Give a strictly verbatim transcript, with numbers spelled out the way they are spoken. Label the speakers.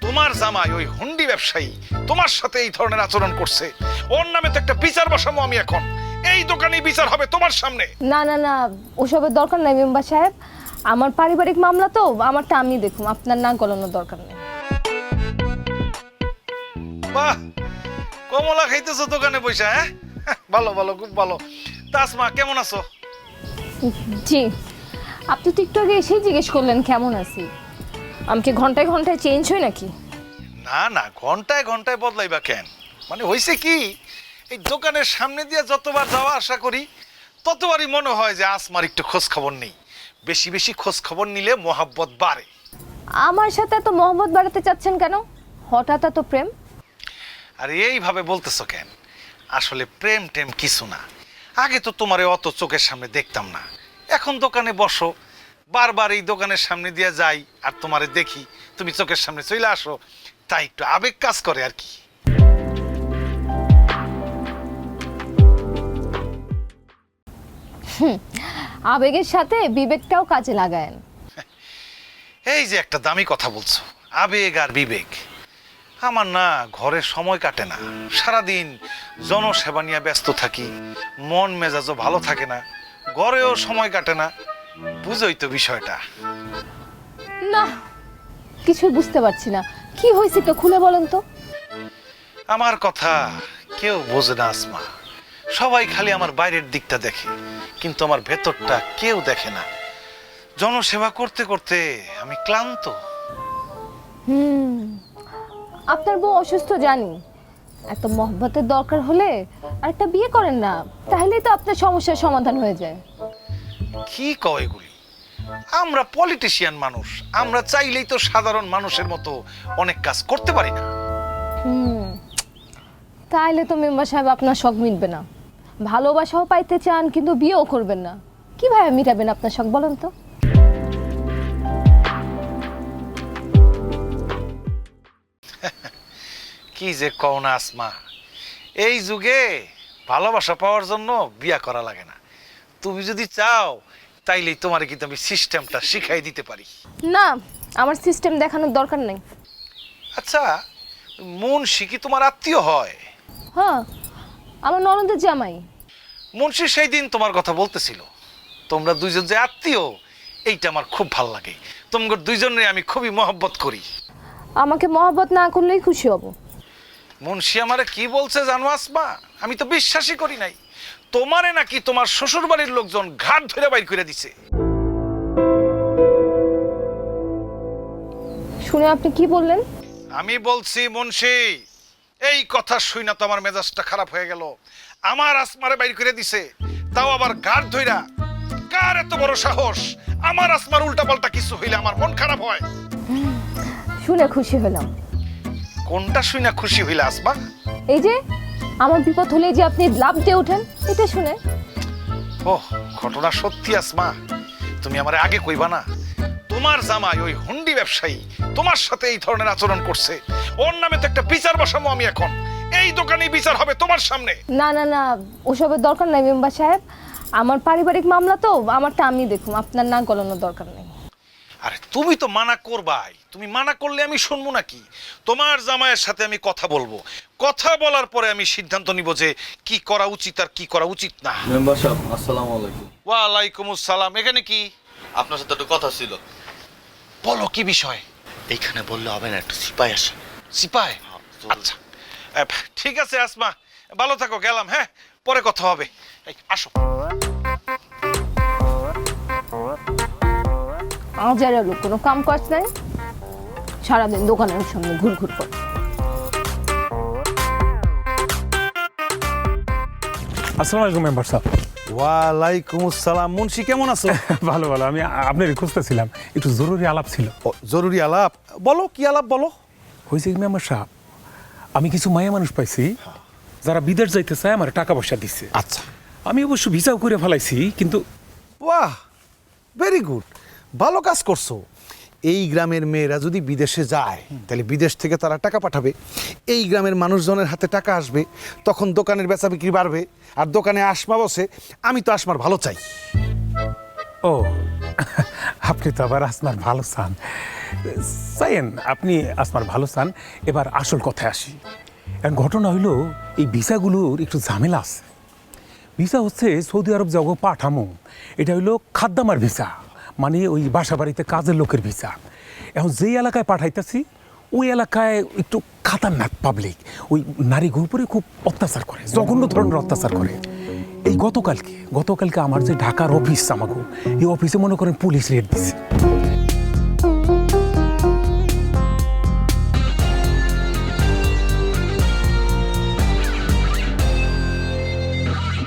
Speaker 1: তোমার জামাই ওই হুন্ডি ব্যবসায়ী তোমার সাথে এই ধরনের আচরণ করছে, ওর নামে তো একটা বিচার বসাবো আমি এখন। এই দোকানেই বিচার হবে তোমার সামনে।
Speaker 2: না না না, ওসবের দরকার নাই মেম্বার সাহেব। আমার পারিবারিক মামলা তো, আমারটা আমি দেখুন, আপনার নাক গলানোর দরকার নেই।
Speaker 1: বাহ, কমলা খাইতেছো দোকানে বসে? হ্যাঁ, ভালো ভালো, খুব ভালো। তাসমা কেমন আছো?
Speaker 2: জি, আপনি তো একটু আগে এসেই জিজ্ঞেস করলেন কেমন আছি। আমি কি ঘন্টায় ঘন্টায় চেঞ্জ হই নাকি?
Speaker 1: না না, ঘন্টায় ঘন্টায় বদলাইবা কেন? মানে হয়েছে কি, এই দোকানের সামনে দিয়ে যতবার যাওয়া আশা করি ততবারই মনে হয় যে আসমার একটু খোঁজ খবর নেই। বেশি বেশি খোঁজ খবর নিলে মোহাব্বত বাড়ে।
Speaker 2: আমার সাথে এত মহব্বত বাড়াতে চাচ্ছেন কেন? হঠাৎ এত প্রেম?
Speaker 1: আর এইভাবে বলতেছো কেন? আসলে প্রেম টেম কিছু না। আগে তো তোমারে অত চোখের সামনে দেখতাম না, এখন দোকানে বসো, বারবার এই দোকানের সামনে দিয়ে যাই আর তোমারে দেখি, তুমি চোখের সামনে চলে আসো, তাই একটু আবেগ কাজ করে আর কি।
Speaker 2: আবেগের সাথে বিবেকটাও কাজে লাগায়েন।
Speaker 1: এই যে একটা দামি কথা বলছো, আবেগ আর বিবেক। আমার না ঘরে সময় কাটে না, সারাদিন জনসেবা নিয়ে ব্যস্ত থাকি, মন মেজাজও ভালো থাকে না, ঘরেও সময় কাটে না। বুঝোই তো বিষয়টা।
Speaker 2: না, কিছু বুঝতে পারছি না, কি হয়েছে একটু খুলে বলেন তো।
Speaker 1: আমার কথা কেউ বোঝে না আসমা, সবাই খালি আমার বাইরের দিকটা দেখে, কিন্তু আমার ভেতরটা কেউ দেখে না। জনসেবা করতে করতে আমি ক্লান্ত।
Speaker 2: হুম, আপনার বউ অসুস্থ জানি, এত মহব্বতের দরকার হলে আরেকটা বিয়ে করেন না, তাহলেই তো আপনার সমস্যার সমাধান হয়ে যায়।
Speaker 1: কি কয় এগুলি? আমরা পলিটিশিয়ান মানুষ, আমরা চাইলেই তো সাধারণ মানুষের মতো অনেক কাজ করতে পারি না।
Speaker 2: হুম, তাইলে তো মেম্বার সাহেব আপনার শখ মিটবে না। ভালোবাসাও পাইতে চান কিন্তু বিয়েও করবেন না, কিভাবে মিটাবেন আপনার শখ বলেন তো?
Speaker 1: কি যে কও না আসমা, এই যুগে ভালোবাসা পাওয়ার জন্য বিয়া করা লাগে না। তুমি যদি চাও তাইলেই তোমারে কিন্তু আমি সিস্টেমটা শিখাই দিতে পারি।
Speaker 2: না, আমার সিস্টেম দেখানোর দরকার নেই।
Speaker 1: আচ্ছা, মুন্সি কি তোমার আত্মীয় হয়?
Speaker 2: হ্যাঁ, আমার ননদের জামাই।
Speaker 1: মুন্সি সেই দিন তোমার কথা বলতেছিল, তোমরা দুইজন যে আত্মীয়, এইটা আমার খুব ভাল লাগে। তোমাদের দুইজনে আমি খুবই মহব্বত করি।
Speaker 2: আমাকে মহব্বত না করলেই খুশি হব।
Speaker 1: মুন্সি আমারে কি বলছে জানো আসমা? আমি তো বিশ্বাসই করি নাই। তোমারে নাকি তোমার শ্বশুর বাড়ির লোকজন ঘাট ধরে বাইর করে দিছে।
Speaker 2: শুনে আপনি কি বললেন?
Speaker 1: আমি বলছি মুন্সি, এই কথা শুই না তো আমার মেজাজটা খারাপ হয়ে গেল। আমার আসমারে বাইর করে দিছে, তাও আবার ঘাট ধইরা। কার এত বড় সাহস? আমার আসমার উল্টা পাল্টা কিছু হইলে আমার মন খারাপ হয়।
Speaker 2: শুনে খুশি হলাম।
Speaker 1: কোনটা শুই না খুশি হইলে আসমা?
Speaker 2: এই যে আমার বিপদ হলে যে আপনি লাভ দিয়ে ওঠেন, এটা শুনে।
Speaker 1: ওহ, ঘটনা সত্যি আসমা, তুমি আমারে আগে কইবা না? তোমার জামাই ওই হুন্ডি ব্যবসায়ী তোমার সাথে এই ধরনের আচরণ করছে, ওর নামে তো একটা বিচার বসাবো আমি এখন। এই দোকানেই বিচার হবে তোমার সামনে।
Speaker 2: না না না, ওসবের দরকার নাই মেম্বার সাহেব। আমার পারিবারিক মামলা তো, আমারটা আমি দেখুন, আপনার নাক গলানোর দরকার নেই।
Speaker 1: আরে তুমি তো মানা করবাই, তুমি মানা করলে আমি শুনবো নাকি? তোমার জামাইয়ের সাথে আমি কথা বলবো, কথা বলার পরে আমি সিদ্ধান্ত নিব যে কি করা উচিত আর কি করা উচিত না।
Speaker 3: মেম্বার সাহেব আসসালামু আলাইকুম।
Speaker 1: ওয়ালাইকুম আসসালাম। এখানে কি?
Speaker 3: আপনার সাথে একটু কথা ছিল।
Speaker 1: বলো, কি বিষয়?
Speaker 3: এইখানে বললে হবে না, একটু সিপাই আসে।
Speaker 1: সিপাই? আচ্ছা, এ, ঠিক আছে আসমা, ভালো থাকো, গেলাম। হ্যাঁ, পরে কথা হবে। এই, আসো।
Speaker 2: আজার লোক কোনো কাম কাজ নাই, সারাদিন দোকানের সামনে ঘুর ঘুর করে।
Speaker 4: আসসালামু আলাইকুম মেম্বার সাহেব।
Speaker 5: ওয়ালাইকুম আসসালাম। মুন্সি কেমন আছো?
Speaker 4: ভালো ভালো, আমি আপনারই খুঁজতেছিলাম, একটু জরুরি আলাপ ছিল।
Speaker 5: ও, জরুরি আলাপ? বলো, কি আলাপ বলো।
Speaker 4: হয়েছে কি মেম্বার সাহেব, আমি কিছু মায়া মানুষ পাইছি যারা বিদেশ যাইতে চায়, আমার টাকা পয়সা দিচ্ছে।
Speaker 5: আচ্ছা,
Speaker 4: আমি অবশ্য ভিসাও করে ফেলাইছি, কিন্তু
Speaker 5: বাহ, ভেরি গুড, ভালো কাজ করছো। এই গ্রামের মেয়েরা যদি বিদেশে যায় তাহলে বিদেশ থেকে তারা টাকা পাঠাবে, এই গ্রামের মানুষজনের হাতে টাকা আসবে, তখন দোকানের বেচা বিক্রি বাড়বে, আর দোকানে আসমা বসে। আমি তো আসমার ভালো চাই।
Speaker 4: ও আপনি তো আবার আসমার ভালো চান চাইন, আপনি আসমার ভালো চান। এবার আসল কথায় আসি। এখন ঘটনা হইলো এই ভিসাগুলোর একটু ঝামেলা আছে। ভিসা হচ্ছে সৌদি আরব যাবো পাঠামো, এটা হইলো খাদ্দামার ভিসা, মানে ওই বাসা বাড়িতে কাজের লোকের ভিসা। এখন যেই এলাকায় পাঠাইতেছি ওই এলাকায় একটু খাতারনাক পাবলিক, ওই নারীর উপরে খুব অত্যাচার করে, জঘন্য ধরনের অত্যাচার করে। এই গতকালকে গতকালকে আমার যে ঢাকার অফিস আমাকে, এই অফিসে মনে করেন পুলিশ রেড দিছে।